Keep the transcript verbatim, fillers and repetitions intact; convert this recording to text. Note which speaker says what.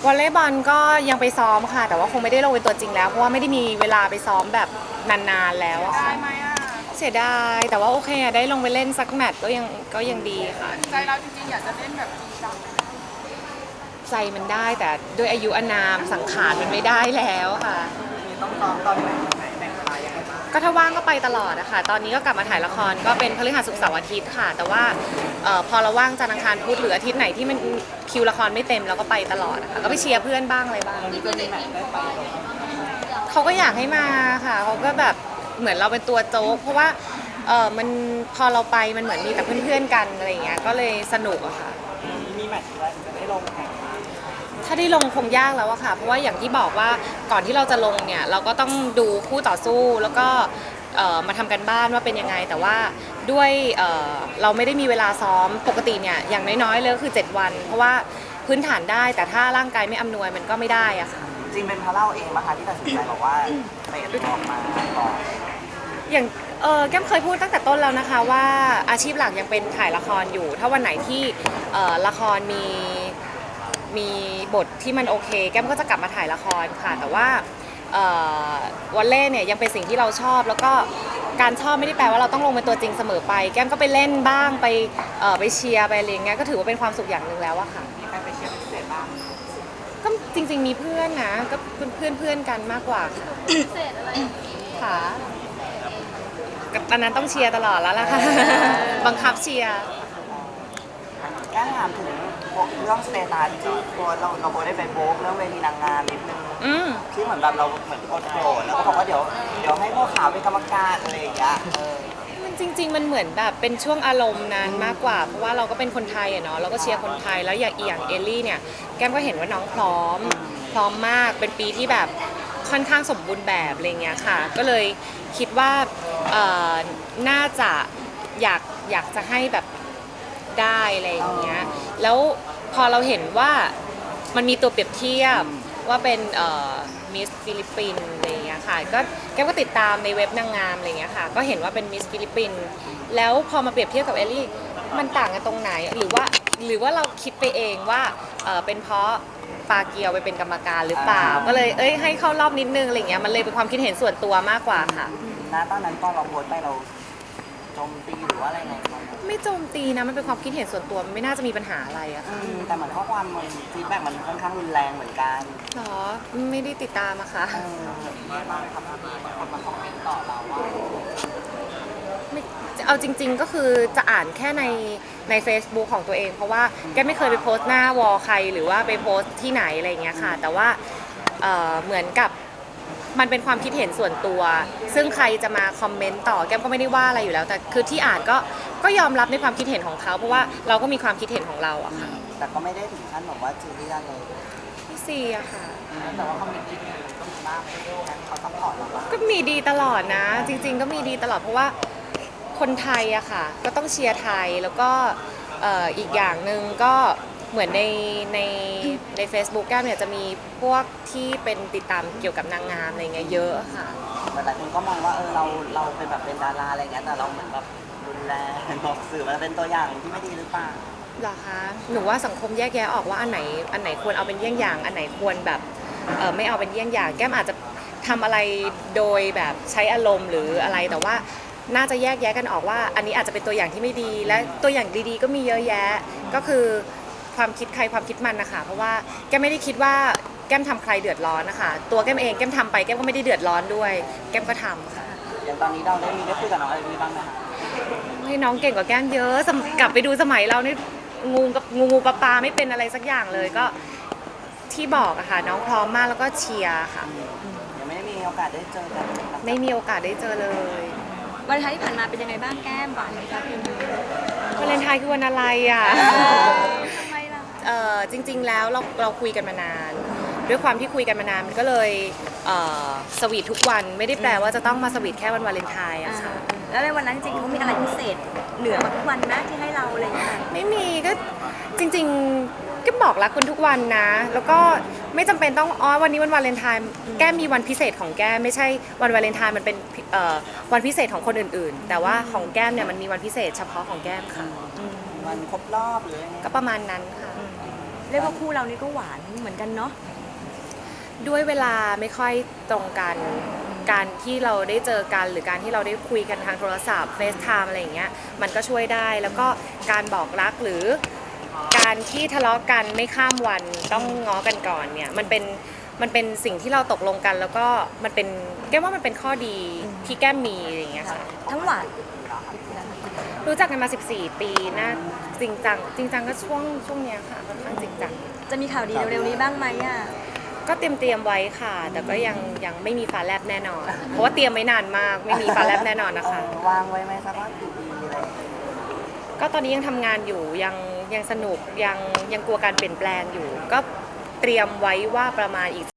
Speaker 1: วอลเลย์บอลก็ยังไปซ้อมค่ะแต่ว่าคงไม่ได้ลงเป็นตัวจริงแล้วเพราะว่าไม่ได้มีเวลาไปซ้อมแบบนานๆแล้วอะ
Speaker 2: ได้
Speaker 1: ค่ะ
Speaker 2: ไหมอ่ะ
Speaker 1: เสียดายแต่ว่าโอเคอะได้ลงไปเล่นสักแมตช์ก็ยังก็ยังดีค่ะ
Speaker 2: ใจเราจริงๆอยากจะเล่นแบบจริงจังเลย
Speaker 1: ใจมันได้แต่ด้วยอายุอานามสังขารมันไม่ได้แล้วค่ะ
Speaker 2: ต้องซ้อมตอนไหนไหนแบ่งเวลายังไงบ้าง
Speaker 1: ก็ถ้าว่างก็ไปตลอดนะคะตอนนี้ก็กลับมาถ่ายละครก็เป็นพฤหัสศุกร์เสาร์อาทิตย์ค่ะ แต่ว่าเอ่อพอเราว่างจันทร์อังคารพุธหรืออาทิตย์ไหนที่มันคิวละครไม่เต็มเราก็ไปตลอดนะคะก็ไปเชียร์เพื่อนบ้างอะไรบ้างเขาก็อยากให้มาค่ะเขาก็แบบเหมือนเราเป็นตัวโจ๊กเพราะว่าเออมันพอเราไปมันเหมือนมีแต่เพื่อนๆกันอะไรอย่างเงี้ยก็เลยสนุกอะค่ะ
Speaker 2: มีแมตช์อะไรจะได้ลงแข่ง
Speaker 1: ถ้าได้ลงคงยากแล้วอะค่ะเพราะว่าอย่างที่บอกว่าก่อนที่เราจะลงเนี่ยเราก็ต้องดูคู่ต่อสู้แล้วก็มาทำกันบ้านว่าเป็นยังไงแต่ว่าด้วยเเราไม่ได้มีเวลาซ้อมปกติเนี่ยอย่างน้อยๆเลยก็คือเจ็ดวันเพราะว่าพื้นฐานได้แต่ถ้าร่างกายไม่อำนวยมันก็ไม่ได้อะค่ะ
Speaker 2: จริงเป็นเพราะเราเองนะคะที่ตัดสินใจบอกว่าเตะออกมาก่อน
Speaker 1: อย่างเออแก้มเคยพูดตั้งแต่ต้นแล้วนะคะว่าอาชีพหลักยังเป็นถ่ายละครอยู่ถ้าวันไหนที่ละครมีมีบทที่มันโอเคแก้มก็จะกลับมาถ่ายละครค่ะแต่ว่าวอลเล่เนี่ยยังเป็นสิ่งที่เราชอบแล้วก็การชอบไม่ได้แปลว่าเราต้องลงเป็นตัวจริงเสมอไปแก้มก็ไปเล่นบ้างไปไปเชียร์ไปอะไรเงี้ยก็ถือว่าเป็นความสุขอย่างหนึ่งแล้วอะค่ะ
Speaker 2: มีใครไปเชียร์พิเศษบ้าง
Speaker 1: ก็จริงๆมีเพื่อนนะก็เพื่อนเพื่อนกันมากกว่าค่ะพิเศษอะไรค่ะตอนนั้นต้องเชียร์ตลอดแล้วล่ะค่ะบังคับเชียร์
Speaker 2: แก้ถามถึงเรื่องสเตตัสที่ตัวเราเราได้ไปโบกเรื่องเวทีนางงามนิดนึงที่เหมือนแบบเราเหมือนโกรธแล้วก็บอกว่าเดี๋ยวเดี๋ยวให้พวกขาวเป็นกรรมการอะไรอย่างเงี้ย
Speaker 1: มันจริงๆมันเหมือนแบบเป็นช่วงอารมณ์นั้นมากกว่าเพราะว่าเราก็เป็นคนไทยอะเนาะเราก็เชียร์คนไทยแล้วอย่างอีอย่างเอลลี่เนี่ยแก้มก็เห็นว่าน้องพร้อมพร้อมมากเป็นปีที่แบบค่อนข้างสมบูรณ์แบบอะไรเงี้ยค่ะก็เลยคิดว่าน่าจะอยากอยากจะให้แบบได้อะไรอย่างเงี้ยแล้วพอเราเห็นว่ามันมีตัวเปรียบเทียบว่าเป็นมิสฟิลิปปินส์อะไรอย่างเงี้ยค่ะก็แก้มก็ติดตามในเว็บนางงามอะไรเงี้ยค่ะก็เห็นว่าเป็นมิสฟิลิปปินส์แล้วพอมาเปรียบเทียบกับเอลลี่มันต่างกันตรงไหนหรือว่าหรือว่าเราคิดไปเองว่าเป็นเพราะปาเกียวไปเป็นกรรมการหรือเปล่าก็เลยเอ้ยให้เข้ารอบนิดนึงอะไรเงี้ยมันเลยเป็นความคิดเห็นส่วนตัวมากกว่าค่ะ
Speaker 2: ณตอนนั้นตอนเราโพสไปเราโจมตีหรือว่าอะไรไง
Speaker 1: ไม่โจมตีนะมันเป็นความคิดเห็นส่วนตัวไม่น่าจะมีปัญหาอะไรอะค่ะ
Speaker 2: แต่เหมือนข้อความมันฟีดแบ็กมันค่อนข้างรุนแรงเหมือนกัน
Speaker 1: หรอไม่ได้ติดตามอะค่ะ
Speaker 2: ไม่บ้างครับคนมาคอมเมนต์ต่อเราว่า
Speaker 1: ไม่เอาจริงๆก็คือจะอ่านแค่ในใน Facebook ของตัวเองเพราะว่าแกไม่เคยไปโพสต์หน้าวอลใครหรือว่าไปโพสต์ที่ไหนอะไรอย่างเงี้ยค่ะแต่ว่าเหมือนกับมันเป็นความคิดเห็นส่วนตัวซึ่งใครจะมาคอมเมนต์ต่อแก้มก็ไม่ได้ว่าอะไรอยู่แล้วแต่คือที่อ่านก็ก็ยอมรับในความคิดเห็นของเขาเพราะว่าเราก็มีความคิดเห็นของเราอะค่ะ
Speaker 2: แต่ก็ไม่ได้ถึงขั้นแบบว่าจีเรียสเลย
Speaker 1: พี่ซีอะค่ะ
Speaker 2: แต่ว่าเขามีดีก็มีบ้างเขาซัพพอร์ตเราบ้าง
Speaker 1: ก็มีดีตลอดนะจริงๆก็มีดีตลอดเพราะว่าคนไทยอะค่ะก็ต้องเชียร์ไทยแล้วก็อีกอย่างหนึ่งก็เหมือนในในใน Facebook แก้มเนี่ยจะมีพวกที่เป็นติดตามเกี่ยวกับนางงามอะไรเงี้ยเยอะค่ะ
Speaker 2: หลายคนก็มองว่าเออเราเราเป็นแบบเป็นดาราอะไรเงี้ยแต่เราเหมือนแบบรุนแรงบอกสื่อมันเป็นตัวอย่างที่ไม่ดีหรือเปล่า
Speaker 1: หรอคะหนูว่าสังคมแยกแยะออกว่าอันไหนอันไหนควรเอาเป็นเยี่ยงอย่างอันไหนควรแบบเออไม่เอาเป็นเยี่ยงอย่างแก้มอาจจะทำอะไรโดยแบบใช้อารมณ์หรืออะไรแต่ว่าน่าจะแยกแยะกันออกว่าอันนี้อาจจะเป็นตัวอย่างที่ไม่ดีและตัวอย่างดีๆก็มีเยอะแยะก็คือความคิดใครความคิดมันนะคะเพราะว่าแก้มไม่ได้คิดว่าแก้มทำใครเดือดร้อนนะคะตัวแก้มเองแก้มทำไปแก้มก็ไม่ได้เดือดร้อนด้วยแก้มก็ทำค่ะ
Speaker 2: อย่างตอนนี้เราได้มีได้คุยกับน้องอะไรมีบ้างไหมคะ
Speaker 1: ให้น้องเก่งกว่าแก้มเยอะกลับไปดูสมัยเรานี่งูกับงูงูปลาปลาไม่เป็นอะไรสักอย่างเลยก็ที่บอกอะค่ะน้องพร้อมมากแล้วก็เชียร์ค่ะ
Speaker 2: ยังไม่ได้มีโอกาสได้เจอกัน
Speaker 1: ไม่มีโอกาสได้เจอเลย
Speaker 3: วันท้ายที่ผ่านมาเป็นยังไงบ้างแก้มหวานไหมคะพี่
Speaker 1: วาเลนไทน์คือวันอะไรอ่ะ
Speaker 3: ทำไมล่ะ
Speaker 1: เออจริงๆแล้วเราเราคุยกันมานานด้วยความที่คุยกันมานานมันก็เลยสวีททุกวันไม่ได้แปลว่าจะต้องมาสวีทแค่วันวาเลนไทน์อะค่ะ
Speaker 3: แล้วในวันนั้นจริงเขามีอะไรพิเศษเหนือกว่าทุกวันนะที่ให้เราอะไรอย่างเงี้ย
Speaker 1: ไม่มีก็จริงๆก็บอกรักคุณทุกวันนะแล้วก็ไม่จำเป็นต้องอ๋อวันนี้วันวาเลนไทน์แก้มมีวันพิเศษของแก้มไม่ใช่วันวาเลนไทน์มันเป็นวันพิเศษของคนอื่นๆแต่ว่าของแก้มเนี่ยมันมีวันพิเศษเฉพาะของแก้มค่ะ
Speaker 2: วันครบรอบหรือ
Speaker 1: ก็ประมาณนั้นค่ะ
Speaker 3: เรียกว่าคู่เรานี่ก็หวานเหมือนกันเนาะ
Speaker 1: ด้วยเวลาไม่ค่อยตรงกัน การที่เราได้เจอกันหรือการที่เราได้คุยกันทางโทรศัพท์เฟซไทม์อะไรอย่างเงี้ยมันก็ช่วยได้แล้วก็การบอกรักหรือการที่ทะเลาะกันไม่ข้ามวันต้องง้อกันก่อนเนี่ยมันเป็นมันเป็นสิ่งที่เราตกลงกันแล้วก็มันเป็นแก้มว่ามันเป็นข้อดีที่แก้มมีอะไรอย่างเงี้ยค่ะ
Speaker 3: ทั้งหวาน
Speaker 1: รู้จักกันมาสิบสี่ปีน่าจริงจังจริงจังก็ช่วงช่วงเนี้ยค่ะค่อนข้างจริงจัง
Speaker 3: จะมีข่าวดีเร็วๆนี้บ้างไหมอ่ะ
Speaker 1: ก็เตรียมเตรียมไว้ค่ะ แต่ก็ยังยังไม่มีฟ้าแลบแน่นอน เพราะว่าเตรียมไว้นานมาก ไม่มีฟ้าแลบแน่นอนนะคะ
Speaker 2: เออวางไว้ไหมสักว่ากี่ปีอะไรอย่างเงี้ย
Speaker 1: ก็ตอนนี้ยังทำงานอยู่ยังยังสนุกยังยังกลัวการเปลี่ยนแปลงอยู่ ก็เตรียมไว้ว่าประมาณอีก